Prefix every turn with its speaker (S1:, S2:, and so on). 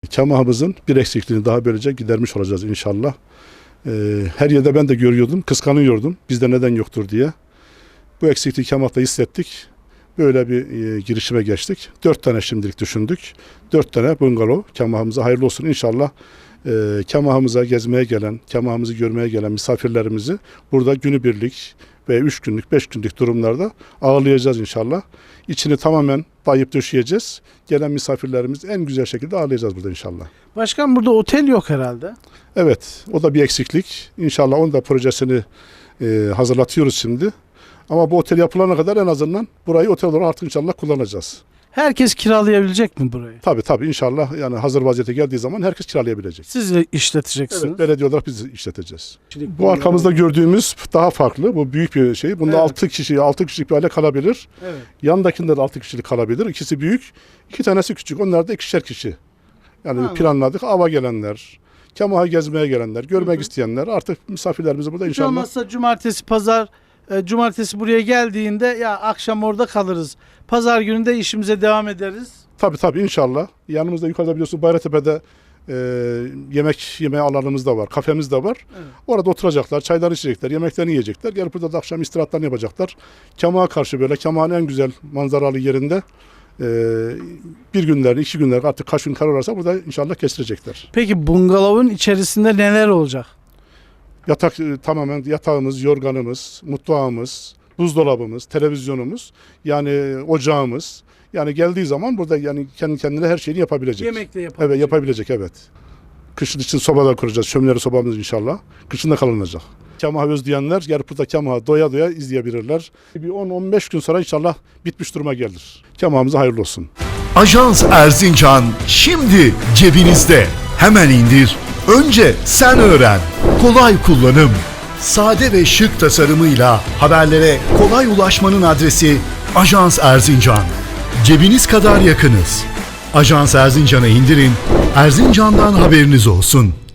S1: Kemahımızın bir eksikliğini daha böylece gidermiş olacağız inşallah. Her yerde ben de görüyordum, kıskanıyordum. Bizde neden yoktur diye. Bu eksikliği Kemah'ta hissettik. Böyle bir girişime geçtik. 4 tane şimdilik düşündük. 4 tane bungalov Kemah'ımıza hayırlı olsun inşallah. Kemah'ımıza gezmeye gelen, Kemah'ımızı görmeye gelen misafirlerimizi burada günübirlik ve 3 günlük, 5 günlük durumlarda ağırlayacağız inşallah. İçini tamamen dayayıp döşeyeceğiz. Gelen misafirlerimizi en güzel şekilde ağırlayacağız burada inşallah.
S2: Başkan, burada otel yok herhalde.
S1: Evet, o da bir eksiklik. İnşallah onun da projesini hazırlatıyoruz şimdi. Ama bu otel yapılana kadar en azından burayı otel olarak artık inşallah kullanacağız.
S2: Herkes kiralayabilecek mi burayı?
S1: Tabii inşallah, yani hazır vaziyete geldiği zaman herkes kiralayabilecek.
S2: Siz de işleteceksiniz.
S1: Evet, belediye olarak biz işleteceğiz. Bu arkamızda gördüğümüz daha farklı. Bu büyük bir şey. Bunda
S2: Evet.
S1: 6 kişilik bir aile kalabilir.
S2: Evet.
S1: Yanındakinde de 6 kişilik kalabilir. İkisi büyük, 2 tanesi küçük. Onlar da 2'şer kişi. Yani
S2: Anladım.
S1: planladık. Ava gelenler, Kemah'ı gezmeye gelenler, görmek isteyenler, artık misafirlerimizi burada
S2: Hiç
S1: inşallah.
S2: olmazsa cumartesi, pazar, cumartesi buraya geldiğinde ya akşam orada kalırız. Pazar günü de işimize devam ederiz.
S1: Tabii inşallah. Yanımızda yukarıda biliyorsun Bayratepe'de yemek yeme alanımız da var, kafemiz de var.
S2: Evet.
S1: Orada oturacaklar, çaylarını içecekler, yemeklerini yiyecekler. Gelip burada da akşam istirahatlarını yapacaklar. Kemah'a karşı böyle, Kemah'ın en güzel manzaralı yerinde bir günlerini, 2 günler, artık kaç gün kar olursa burada inşallah kestirecekler.
S2: Peki bungalovun içerisinde neler olacak?
S1: Yatak tamamen yatağımız, yorganımız, mutfağımız, buzdolabımız, televizyonumuz, yani ocağımız. Yani geldiği zaman burada yani kendi kendine her şeyini yapabilecek.
S2: Yemek de yapabilecek.
S1: Evet, yapabilecek, evet. Kışın için sobalar kuracağız. Şömineli sobamız inşallah. Kışın da kalınacak. Kemah'ı özleyenler gelip burada Kemah'ı doya doya izleyebilirler. Bir 10-15 gün sonra inşallah bitmiş duruma gelir. Kemah'ımıza hayırlı olsun.
S3: Ajans Erzincan şimdi cebinizde. Hemen indir. Önce sen öğren. Kolay kullanım. Sade ve şık tasarımıyla haberlere kolay ulaşmanın adresi Ajans Erzincan. Cebiniz kadar yakınız. Ajans Erzincan'ı indirin. Erzincan'dan haberiniz olsun.